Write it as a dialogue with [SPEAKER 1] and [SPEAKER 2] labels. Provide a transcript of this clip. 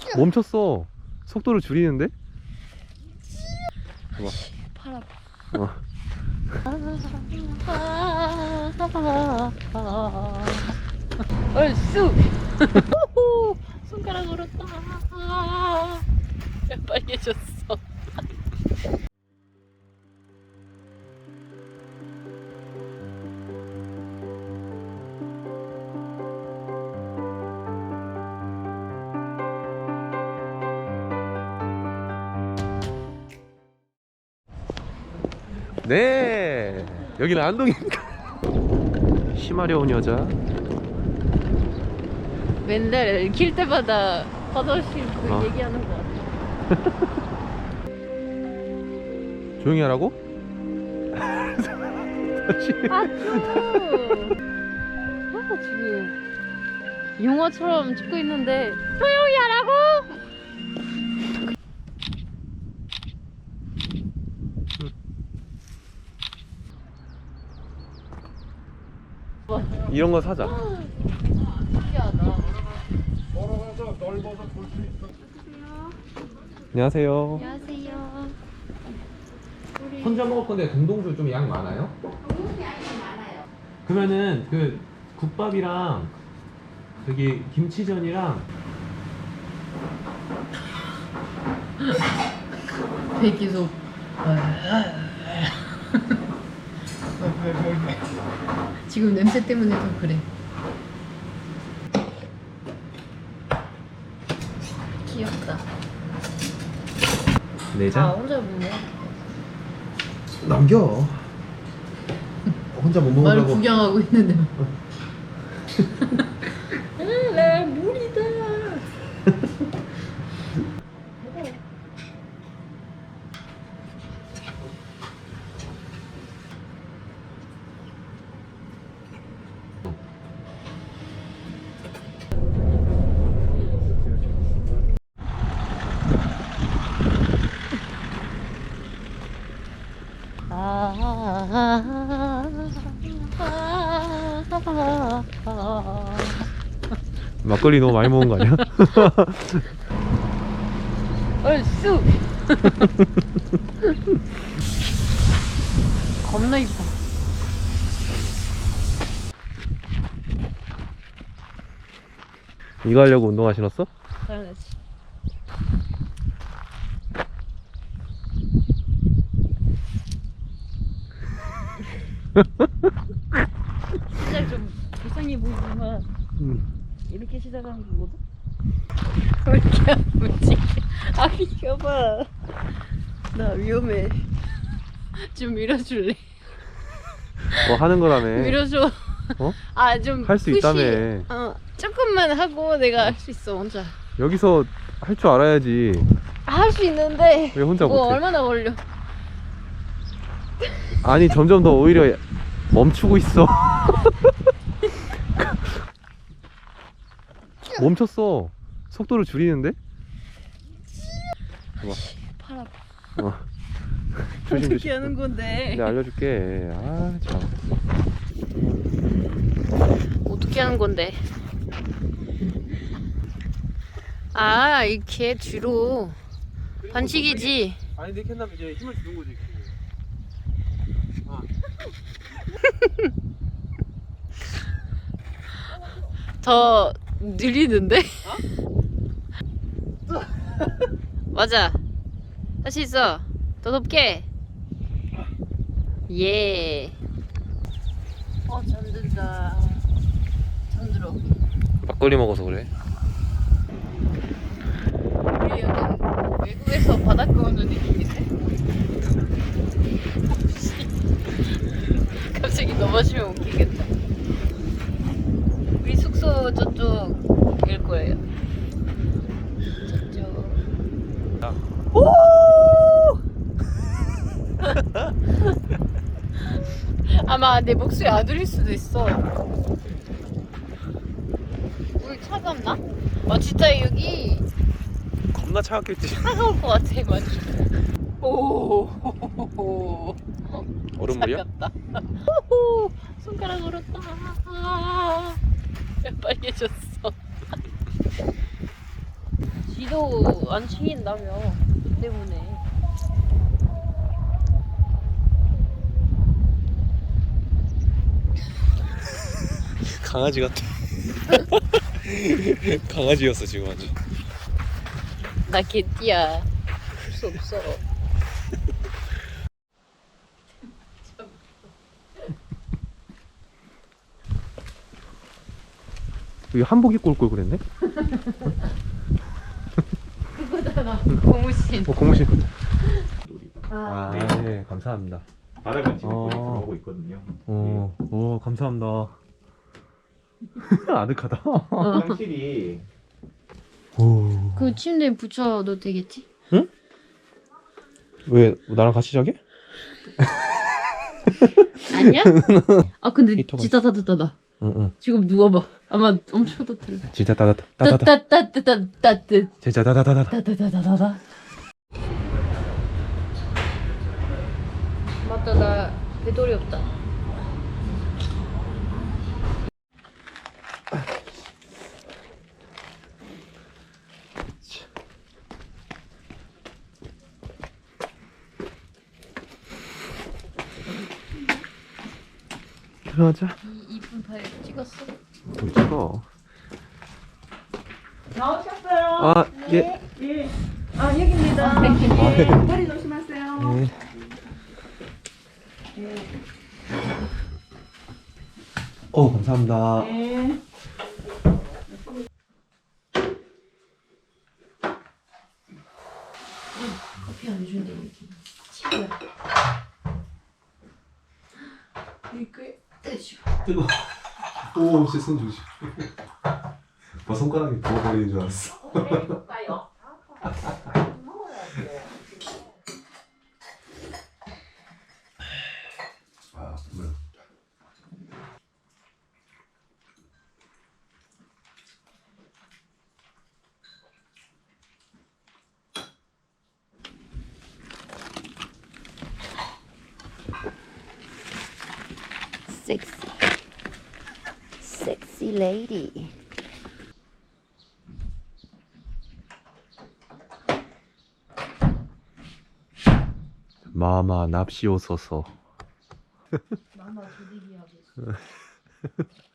[SPEAKER 1] 멈췄어. 속도를 줄이는데? 봐봐.
[SPEAKER 2] 팔 아파. 얼쑤. 손가락 얼었다. 빨개졌어.
[SPEAKER 1] 네, 여기는 안동입니다. 심하려운 여자.
[SPEAKER 2] 맨날 킬 때마다 버젓이 그 얘기하는 거 같아.
[SPEAKER 1] 조용히 하라고?
[SPEAKER 2] 아, 지금 용어처럼 찍고 있는데 조용히 하라고?
[SPEAKER 1] 이런 거 사자.
[SPEAKER 2] 신기하다.
[SPEAKER 3] 걸어가서 넓어서 볼 수 있어.
[SPEAKER 1] 안녕하세요.
[SPEAKER 2] 안녕하세요.
[SPEAKER 1] 혼자 먹을 건데 동동주 좀 양 많아요?
[SPEAKER 2] 동동주 양이 많아요.
[SPEAKER 1] 그러면은 그 국밥이랑 여기 김치전이랑
[SPEAKER 2] 배기소. 지금 냄새 때문에 좀 그래. 귀엽다.
[SPEAKER 1] 내장?
[SPEAKER 2] 아, 혼자 먹네.
[SPEAKER 1] 남겨. 혼자 못
[SPEAKER 2] 말
[SPEAKER 1] 먹으려고.
[SPEAKER 2] 구경하고 있는데. 나 물이다.
[SPEAKER 1] 막걸리 너무 많이 먹은 거 아니야?
[SPEAKER 2] 얼쑤. 겁나 이뻐.
[SPEAKER 1] 이거 하려고 운동화 신었어?
[SPEAKER 2] 당연하지. 시작 좀 불쌍해 보이지만 이렇게 시작하는 거거든? 왜 이렇게 아프지? 아, 비켜봐. 나 위험해. 좀 밀어줄래?
[SPEAKER 1] 뭐 하는 거라며.
[SPEAKER 2] 밀어줘.
[SPEAKER 1] 어?
[SPEAKER 2] 아, 좀
[SPEAKER 1] 할 수
[SPEAKER 2] 푸시.
[SPEAKER 1] 있다며.
[SPEAKER 2] 조금만 하고 내가 할 수 있어, 혼자.
[SPEAKER 1] 여기서 할 줄 알아야지.
[SPEAKER 2] 할 수 있는데
[SPEAKER 1] 왜 혼자
[SPEAKER 2] 뭐
[SPEAKER 1] 못해?
[SPEAKER 2] 얼마나 걸려?
[SPEAKER 1] 아니 점점 더 오히려 멈추고 있어. 멈췄어. 속도를 줄이는데? 봐봐.
[SPEAKER 2] 팔 아파.
[SPEAKER 1] 조심
[SPEAKER 2] 어떻게
[SPEAKER 1] 조심.
[SPEAKER 2] 하는 건데?
[SPEAKER 1] 내가 알려줄게. 아 참.
[SPEAKER 2] 어떻게 하는 건데? 아, 이렇게 뒤로 반칙이지.
[SPEAKER 1] 아니 내 캔남 이제 힘을 주는 거지.
[SPEAKER 2] 더 느리는데? 맞아. 할 수 있어. 더 높게. 예. 잠든다. 잠들어.
[SPEAKER 1] 막걸리 먹어서 그래.
[SPEAKER 2] 우리 약간 외국에서 바닷가 오는 느낌인데? 갑자기 넘어지면 웃기겠다. 우리 숙소 저쪽일 거예요. 저쪽. 오! 아마 내 목소리 안 들릴 수도 있어. 우리 차갑나? 진짜 여기
[SPEAKER 1] 겁나 차갑겠지.
[SPEAKER 2] 차가울 것 같아, 많이. 오,
[SPEAKER 1] 얼음물이야?
[SPEAKER 2] 차갑다. 호호, 손가락 얼었다. 빨개졌어. 지리 니도 안 챙긴다며. 너 때문에.
[SPEAKER 1] 강아지 같아. 강아지였어 지금 아주.
[SPEAKER 2] 나 개띠야. 할 수 없어.
[SPEAKER 1] 여기 한복 입고 올 걸 그랬네?
[SPEAKER 2] 그거잖아. 고무신.
[SPEAKER 1] 고무신.
[SPEAKER 2] 아,
[SPEAKER 1] 네, 감사합니다.
[SPEAKER 3] 바닥은 지금
[SPEAKER 1] 어.
[SPEAKER 3] 들어오고 있거든요.
[SPEAKER 1] 오, 감사합니다. 아늑하다.
[SPEAKER 3] 화장실이
[SPEAKER 1] 오.
[SPEAKER 2] 그 침대에 붙여도 되겠지?
[SPEAKER 1] 왜 나랑 같이 자게?
[SPEAKER 2] 아니야? 아 근데
[SPEAKER 1] 히터가
[SPEAKER 2] 진짜 따뜻하다.
[SPEAKER 1] 응.
[SPEAKER 2] 지금 누워봐. 아마 엄청 따뜻해.
[SPEAKER 1] 진짜 따뜻하다.
[SPEAKER 2] 따뜻.
[SPEAKER 1] 진짜 따뜻하다.
[SPEAKER 2] 따뜻하다다다. 맞다, 나 배돌이 없다.
[SPEAKER 1] 들어가자.
[SPEAKER 2] 이 이쁜 파일 찍었어?
[SPEAKER 1] 좀 찍어.
[SPEAKER 4] 나오셨어요?
[SPEAKER 1] 아, 예.
[SPEAKER 4] 예. 아, 여기입니다.
[SPEAKER 1] 네.
[SPEAKER 4] 예. 허리 조심하세요.
[SPEAKER 1] 네. 감사합니다.
[SPEAKER 4] 예.
[SPEAKER 2] 커피 안 준대 여기. 친구야. 이거 떼줘.
[SPEAKER 5] 뜨거. 오, 제 손 조심. 뭐 손가락이 부어버리는 줄 알았어. 아, 물.
[SPEAKER 2] 섹시 레이디.
[SPEAKER 1] 마마 납시오소서.
[SPEAKER 2] 마마 조디기 하고 있어.